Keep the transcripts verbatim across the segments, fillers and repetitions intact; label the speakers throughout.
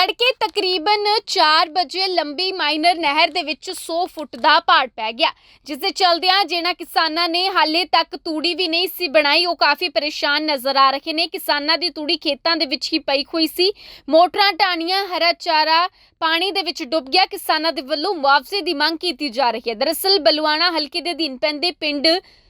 Speaker 1: तड़के तकरीबन चार बजे लंबी माइनर नहर दे विच सौ फुट दा पाड़ पै गया, जिस दे चलदियां जिन्हां किसानां ने हाले तक तूड़ी भी नहीं सी बनाई वो काफ़ी परेशान नज़र आ रहे ने। किसानां दी तूड़ी खेतां दे विच ही पई हुई सी, मोटरां ढाणियां हरा चारा पानी दे विच डुब गया। किसानां दे वल्लों मुआवजे दी मंग कीती जा रही है। दरअसल बलुआणा हलके दे अधीन पैंदे पिंड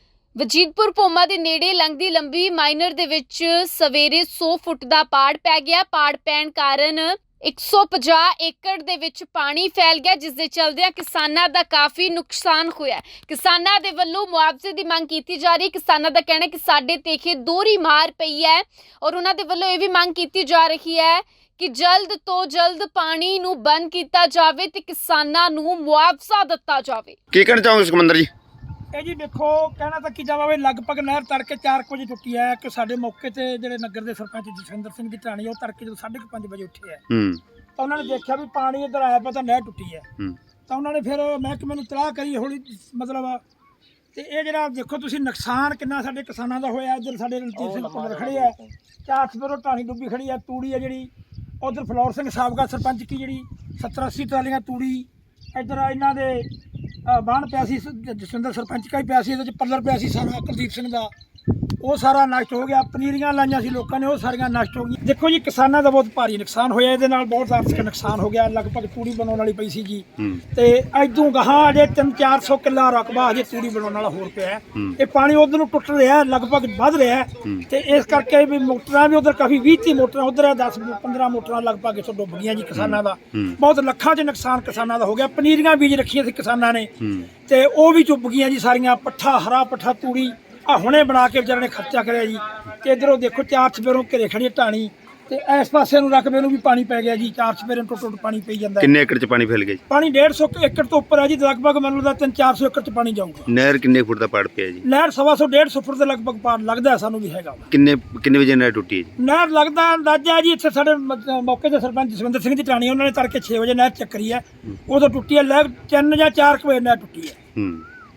Speaker 1: वजीदपुर भोमा दे नेड़े लंघदी लंबी माइनर दे विच सवेरे सौ फुट दा पाड़ पै गया। पाड़ पैण कारण एक सौ पचास एकड़ दे विच पानी फैल गया, जिस दे चलदियां किसानां दा काफ़ी नुकसान होया। किसानां दे वल्लों मुआवजे दी मंग कीती जा रही। किसानां दा कहना है कि साडे ते इत्थे दोहरी मार पई है और उन्हां दे वल्लों इह वी मंग कीती जा रही है कि जल्द तो जल्द पानी नूं बंद कीता जावे ते किसानां नूं मुआवजा दित्ता जावे।
Speaker 2: की कहना चाहोगे सिकंदर जी?
Speaker 3: ਇਹ ਜੀ ਦੇਖੋ ਕਹਿਣਾ ਤਾਂ ਕੀ ਜਾਵੇ ਲਗਭਗ ਨਹਿਰ ਤੜਕੇ ਚਾਰ ਵਜੇ ਟੁੱਟੀ ਹੈ ਕਿ ਸਾਡੇ ਮੌਕੇ ਤੇ ਜਿਹੜੇ ਨਗਰ ਦੇ ਸਰਪੰਚ ਜਸਵਿੰਦਰ ਸਿੰਘ ਦੀ ਢਾਣੀ ਉਹ ਤੜਕੇ ਜਦੋਂ ਸਾਢੇ ਪੰਜ ਵਜੇ ਉੱਠੇ ਹੈ
Speaker 2: ਹੂੰ
Speaker 3: ਤਾਂ ਉਹਨਾਂ ਨੇ ਦੇਖਿਆ ਵੀ ਪਾਣੀ ਇੱਧਰ ਆਇਆ ਪਿਆ ਤਾਂ ਨਹਿਰ ਟੁੱਟੀ ਹੈ।
Speaker 2: ਹੂੰ ਤਾਂ
Speaker 3: ਉਹਨਾਂ ਨੇ ਫਿਰ ਮਹਿਕਮੇ ਨੂੰ ਤਲਾਹ ਕਰੀ ਹੌਲੀ ਮਤਲਬ ਤੇ ਇਹ ਜਿਹੜਾ ਦੇਖੋ ਤੁਸੀਂ ਨੁਕਸਾਨ ਕਿੰਨਾ ਸਾਡੇ ਕਿਸਾਨਾਂ ਦਾ ਹੋਇਆ। ਇੱਧਰ ਸਾਡੇ ਰਣਜੀਤ ਸਿੰਘ ਪੁੱਤਰ ਖੜੇ ਹੈ, ਚਾਰ ਸਪਰੋ ਢਾਣੀ ਡੁੱਬੀ ਖੜੀ ਹੈ, ਤੂੜੀ ਹੈ ਜਿਹੜੀ ਉਧਰ ਫਲੋਰ ਸਿੰਘ ਸਾਬਕਾ ਸਰਪੰਚ ਕੀ ਜਿਹੜੀ ਸੱਤਰ ਅੱਸੀ ਟਰਾਲੀਆਂ ਤੂੜੀ ਇੱਧਰ ਇਹਨਾਂ ਦੇ ਬਾਣ ਪਿਆ ਸੀ, ਜਸਵਿੰਦਰ ਸਰਪੰਚ ਕਾ ਹੀ ਪਿਆ ਸੀ, ਇਹਦੇ 'ਚ ਪੱਲਰ ਪਿਆ ਸੀ ਸਾਰਾ ਕੁਲਦੀਪ ਸਿੰਘ ਦਾ, ਉਹ ਸਾਰਾ ਨਸ਼ਟ ਹੋ ਗਿਆ। ਪਨੀਰੀਆਂ ਲਾਈਆਂ ਸੀ ਲੋਕਾਂ ਨੇ, ਉਹ ਸਾਰੀਆਂ ਨਸ਼ਟ ਹੋ ਗਈਆਂ। ਦੇਖੋ ਜੀ ਕਿਸਾਨਾਂ ਦਾ ਬਹੁਤ ਭਾਰੀ ਨੁਕਸਾਨ ਹੋਇਆ, ਇਹਦੇ ਨਾਲ ਬਹੁਤ ਆਰਥਿਕ ਨੁਕਸਾਨ ਹੋ ਗਿਆ। ਲਗਭਗ ਤੂੜੀ ਬਣਾਉਣ ਵਾਲੀ ਪਈ ਸੀ ਜੀ ਤੇ ਇਦੋਂ ਗਾਹਾਂ ਅਜੇ ਤਿੰਨ ਚਾਰ ਸੌ ਕਿੱਲਾ ਰਕਬਾ ਅਜੇ ਤੂੜੀ ਬਣਾਉਣ ਵਾਲਾ ਹੋਰ ਪਿਆ। ਇਹ ਪਾਣੀ ਉਧਰ ਨੂੰ ਟੁੱਟ ਰਿਹਾ, ਲਗਭਗ ਵੱਧ ਰਿਹਾ ਤੇ ਇਸ ਕਰਕੇ ਵੀ ਮੋਟਰਾਂ ਵੀ ਉਧਰ ਕਾਫੀ ਵੀਹ ਤੀਹ ਮੋਟਰਾਂ ਉਧਰ ਹੈ, ਦਸ ਪੰਦਰਾਂ ਮੋਟਰਾਂ ਲਗਭਗ ਇੱਥੋਂ ਡੁੱਬ ਗਈਆਂ ਜੀ। ਕਿਸਾਨਾਂ ਦਾ ਬਹੁਤ ਲੱਖਾਂ 'ਚ ਨੁਕਸਾਨ ਕਿਸਾਨਾਂ ਦਾ ਹੋ ਗਿਆ। ਪਨੀਰੀਆਂ ਬੀਜ ਰੱਖੀਆਂ ਸੀ ਕਿਸਾਨਾਂ ਨੇ ਤੇ ਉਹ ਵੀ ਡੁੱਬ ਗਈਆਂ ਜੀ ਸਾਰੀਆਂ। ਪੱਠਾ ਹਰਾ ਪੱਠਾ ਤੂੜੀ ਆ ਹੁਣੇ ਬਣਾ ਕੇ ਵਿਚਾਰੇ ਨੇ ਖਰਚਾ ਕਰਿਆ ਜੀ। ਤੇ ਇਧਰੋਂ ਦੇਖੋ ਚਾਰ ਚਪੇਰੋਂ ਘਰੇ ਖੜੀ ਢਾਣੀ ਤੇ ਇਸ ਪਾਸੇ ਨੂੰ ਰਕਬੇ ਨੂੰ ਵੀ ਪਾਣੀ ਪੈ ਗਿਆ ਜੀ। ਚਾਰ ਚਪੇਰੇ ਟੁੱਟ ਟੁੱਟ ਪਾਣੀ ਪਈ ਜਾਂਦਾ।
Speaker 2: ਕਿੰਨੇ ਏਕੜ 'ਚ ਪਾਣੀ ਫੈਲ ਗਿਆ ਜੀ? ਪਾਣੀ
Speaker 3: ਡੇਢ ਸੌ ਏਕੜ ਤੋਂ ਉੱਪਰ ਹੈ ਜੀ। ਲਗਭਗ ਮੈਨੂੰ ਲੱਗਦਾ ਤਿੰਨ ਚਾਰ ਸੌ ਏਕੜ 'ਚ ਪਾਣੀ ਜਾਊਗਾ।
Speaker 2: ਨਹਿਰ ਕਿੰਨੇ ਫੁੱਟ ਦਾ ਪਾੜ ਪਿਆ ਜੀ?
Speaker 3: ਨਹਿਰ ਸਵਾ ਸੌ ਡੇਢ ਸੌ ਫੁੱਟ ਦੇ ਲਗਭਗ ਪਾੜ ਲੱਗਦਾ ਸਾਨੂੰ ਵੀ ਹੈਗਾ।
Speaker 2: ਕਿੰਨੇ ਕਿੰਨੇ ਵਜੇ ਨਹਿਰ ਟੁੱਟੀ ਹੈ ਜੀ?
Speaker 3: ਨਹਿਰ ਲੱਗਦਾ ਅੰਦਾਜ਼ਾ ਜੀ ਇੱਥੇ ਸਾਡੇ ਮੌਕੇ ਦੇ ਸਰਪੰਚ ਜਸਵਿੰਦਰ ਸਿੰਘ ਦੀ ਢਾਣੀ ਉਹਨਾਂ ਨੇ ਤੜਕੇ ਛੇ ਵਜੇ ਨਹਿਰ ਚੱਕਰੀ ਹੈ, ਉਦੋਂ ਟੁੱਟੀ ਹੈ। ਲੈ ਤਿੰਨ ਜਾਂ ਚਾਰ ਕੁ ਵਜੇ ਨਹਿਰ ਟੁੱਟੀ ਹੈ।
Speaker 2: ਹੂੰ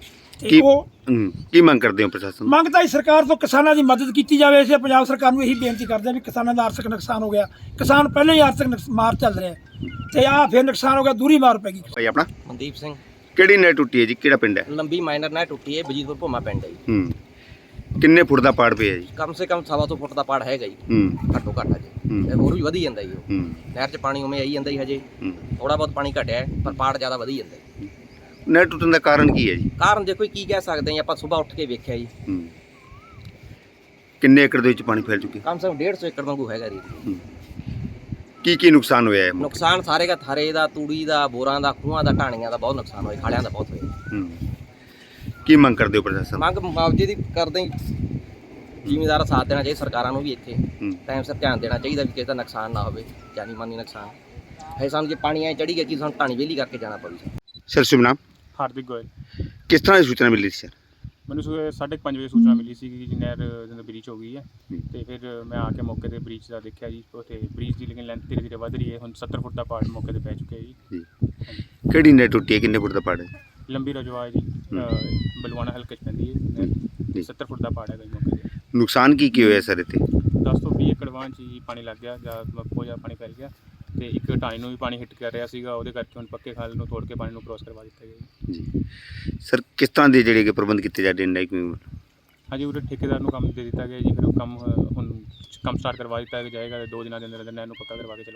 Speaker 3: ਤੇ ਉਹ
Speaker 2: ਕੀ ਮੰਗ ਕਰਦੇ ਹੋ ਪ੍ਰਸ਼ਾਸਨ?
Speaker 3: ਮੰਗ ਤਾਂ ਸਰਕਾਰ ਤੋਂ ਕਿਸਾਨਾਂ ਦੀ ਮਦਦ ਕੀਤੀ ਜਾਵੇ। ਅਸੀਂ ਪੰਜਾਬ ਸਰਕਾਰ ਨੂੰ ਇਹੀ ਬੇਨਤੀ ਕਰਦੇ ਹਾਂ ਵੀ ਕਿਸਾਨਾਂ ਦਾ ਆਰਥਿਕ ਨੁਕਸਾਨ ਹੋ ਗਿਆ। ਕਿਸਾਨ ਪਹਿਲਾਂ ਹੀ ਆਰਥਿਕ ਮਾਰ ਚੱਲ ਰਿਹਾ ਤੇ ਆਹ ਫਿਰ ਨੁਕਸਾਨ ਹੋ ਗਿਆ, ਦੂਰੀ ਮਾਰ ਪੈ ਗਈ।
Speaker 2: ਭਾਈ ਆਪਣਾ
Speaker 4: ਮਨਦੀਪ ਸਿੰਘ।
Speaker 2: ਕਿਹੜੀ ਨਹਿਰ ਟੁੱਟੀ ਹੈ ਜੀ? ਕਿਹੜਾ ਪਿੰਡ ਹੈ?
Speaker 4: ਲੰਬੀ ਮਾਈਨਰ ਨਹਿਰ ਟੁੱਟੀ ਹੈ, ਵਜੀਦਪੁਰ ਭੋਮਾ ਪਿੰਡ ਹੈ ਜੀ।
Speaker 2: ਹੂੰ ਕਿੰਨੇ ਫੁੱਟ ਦਾ ਪਾੜ ਪਿਆ ਜੀ?
Speaker 4: ਕਮ ਸੇ ਕਮ ਸਵਾ ਸੌ ਫੁੱਟ ਦਾ ਪਾੜ ਹੈਗਾ ਜੀ।
Speaker 2: ਹੂੰ
Speaker 4: ਘੱਟੋ ਘੱਟ ਹਜੇ ਇਹ ਹੋਰ ਵੀ ਵਧੀ ਜਾਂਦਾ ਜੀ।
Speaker 2: ਹੂੰ
Speaker 4: ਨਹਿਰ 'ਚ ਪਾਣੀ ਉਵੇਂ ਆਈ ਜਾਂਦਾ ਜੀ। ਹਜੇ ਥੋੜਾ ਬਹੁਤ ਪਾਣੀ ਘਟਿਆ ਹੈ ਪਰ ਪਾੜ ਜ਼ਿਆਦਾ ਵਧੀ ਜਾਂਦਾ ਜੀ।
Speaker 2: ਨਹਿਰ ਟੁੱਟਣ ਦਾ ਕਾਰਨ ਕੀ ਹੈ ਜੀ?
Speaker 4: ਕਾਰਨ ਦੇਖੋ ਕੀ ਕਹਿ ਸਕਦੇ ਹਾਂ ਆਪਾਂ, ਸਵੇਰ ਉੱਠ ਕੇ ਵੇਖਿਆ ਜੀ।
Speaker 2: ਹੂੰ ਕਿੰਨੇ ਏਕੜ ਦੇ ਵਿੱਚ ਪਾਣੀ ਫੈਲ ਚੁੱਕਿਆ?
Speaker 4: ਕਮ ਸੇ ਕਮ ਡੇਢ ਸੌ ਏਕੜ ਵਾਂਗੂ ਹੈਗਾ ਜੀ।
Speaker 2: ਕੀ ਕੀ ਨੁਕਸਾਨ ਹੋਇਆ ਹੈ?
Speaker 4: ਨੁਕਸਾਨ ਸਾਰੇ ਦਾ ਥਾਰੇ ਦਾ, ਤੂੜੀ ਦਾ, ਬੋਰਾਂ ਦਾ, ਖੂਹਾਂ ਦਾ, ਢਾਣੀਆਂ ਦਾ ਬਹੁਤ ਨੁਕਸਾਨ ਹੋਇਆ, ਖਾਲਿਆਂ ਦਾ ਬਹੁਤ ਹੋਇਆ।
Speaker 2: ਹੂੰ ਕੀ ਮੰਗ ਕਰਦੇ ਹੋ ਪ੍ਰਸ਼ਾਸਨ?
Speaker 4: ਮੰਗ ਮੁਆਵਜ਼ੇ ਦੀ ਕਰਦੇ ਜ਼ਿਮੀਂਦਾਰ ਸਾਥ ਦੇਣਾ ਚਾਹੀਦਾ। ਸਰਕਾਰਾਂ ਨੂੰ ਵੀ ਇੱਥੇ ਟਾਈਮ ਸਿਰ ਧਿਆਨ ਦੇਣਾ ਚਾਹੀਦਾ ਵੀ ਕਿਸੇ ਦਾ ਨੁਕਸਾਨ ਨਾ ਹੋਵੇ, ਜਾਨੀ ਮਾਨੀ ਨੁਕਸਾਨ ਹੈ। ਸਾਨੂੰ ਜੇ ਪਾਣੀ ਐ ਚੜੀ ਗਿਆ ਕਿ ਸਾਨੂੰ ਢਾਣੀ ਵਿਹਲੀ ਕਰਕੇ ਜਾਣਾ ਪਊ।
Speaker 2: ਸਰ ਸ਼ੁਭ ਨਾਮ?
Speaker 5: ਹਾਰਦਿਕ ਗੋਇਲ।
Speaker 2: ਕਿਸ ਤਰ੍ਹਾਂ ਦੀ ਸੂਚਨਾ ਮਿਲੀ ਸੀ ਸਰ?
Speaker 5: ਮੈਨੂੰ ਸਵੇਰੇ ਸਾਢੇ ਪੰਜ ਵਜੇ ਸੂਚਨਾ ਮਿਲੀ ਸੀ ਕਿ ਨਹਿਰ ਜਦੋਂ ਬ੍ਰੀਚ ਹੋ ਗਈ ਹੈ ਤੇ ਫਿਰ ਮੈਂ ਆ ਕੇ ਮੌਕੇ ਤੇ ਬ੍ਰੀਚ ਦਾ ਦੇਖਿਆ ਜੀ। ਉੱਥੇ ਬ੍ਰੀਚ ਦੀ ਲੇਕਿਨ ਲੈਂਥ ਧੀਰੇ ਧੀਰੇ ਵੱਧ ਰਹੀ ਹੈ। ਹੁਣ ਸੱਤਰ ਫੁੱਟ ਦਾ ਪਾੜ ਮੌਕੇ ਤੇ ਪੈ ਚੁੱਕਿਆ ਜੀ।
Speaker 2: ਕਿਹੜੀ ਨਹਿਰ ਟੁੱਟੀ ਹੈ? ਕਿੰਨੇ ਫੁੱਟ ਦਾ ਪਾੜ ਹੈ?
Speaker 5: ਲੰਬੀ ਰਜਵਾ ਜੀ, ਬਲਵਾਣਾ ਹਲਕੇ 'ਚ ਪੈਂਦੀ ਹੈ ਨਹਿਰ। ਸੱਤਰ ਫੁੱਟ ਦਾ ਪਾੜ ਹੈਗਾ ਜੀ ਮੌਕੇ ਤੇ।
Speaker 2: ਨੁਕਸਾਨ ਕੀ ਕੀ ਹੋਇਆ ਸਰ ਇੱਥੇ?
Speaker 5: ਦਸ ਤੋਂ ਵੀਹ ਏਕੜ ਵਾਂ 'ਚ ਜੀ ਪਾਣੀ ਲੱਗ ਗਿਆ ਜਾਂ ਬਹੁਤ ਜ਼ਿਆਦਾ ਪਾਣੀ ਫੈਲ ਗਿਆ ਤੇ ਇੱਕ ਢਾਣੀ ਨੂੰ ਵੀ ਪਾਣੀ ਹਿੱਟ ਕਰ ਰਿਹਾ ਸੀਗਾ। ਉਹਦੇ ਕਰਕੇ ਹੁਣ ਪੱਕੇ ਖਾਲ ਨੂੰ ਤੋੜ ਕੇ ਪਾਣੀ ਨੂੰ ਕ੍ਰੋਸ ਕਰਵਾ ਦਿੱਤਾ ਗਿਆ
Speaker 2: ਜੀ। ਸਰ ਕਿਸ ਤਰ੍ਹਾਂ ਦੇ ਜਿਹੜੇ ਕਿ ਪ੍ਰਬੰਧ ਕੀਤੇ ਜਾ ਰਹੇ ਨੇ?
Speaker 5: ਹਾਂਜੀ ਉਹਦੇ ਠੇਕੇਦਾਰ ਨੂੰ ਕੰਮ ਦੇ ਦਿੱਤਾ ਗਿਆ ਜੀ। ਫਿਰ ਉਹ ਕੰਮ ਹੁਣ ਕੰਮ ਸਟਾਰਟ ਕਰਵਾ ਦਿੱਤਾ ਜਾਏਗਾ। ਦੋ ਦਿਨਾਂ ਦੇ ਅੰਦਰ ਅੰਦਰ ਨਹਿਰ ਨੂੰ ਪੱਕਾ ਕਰਵਾ ਕੇ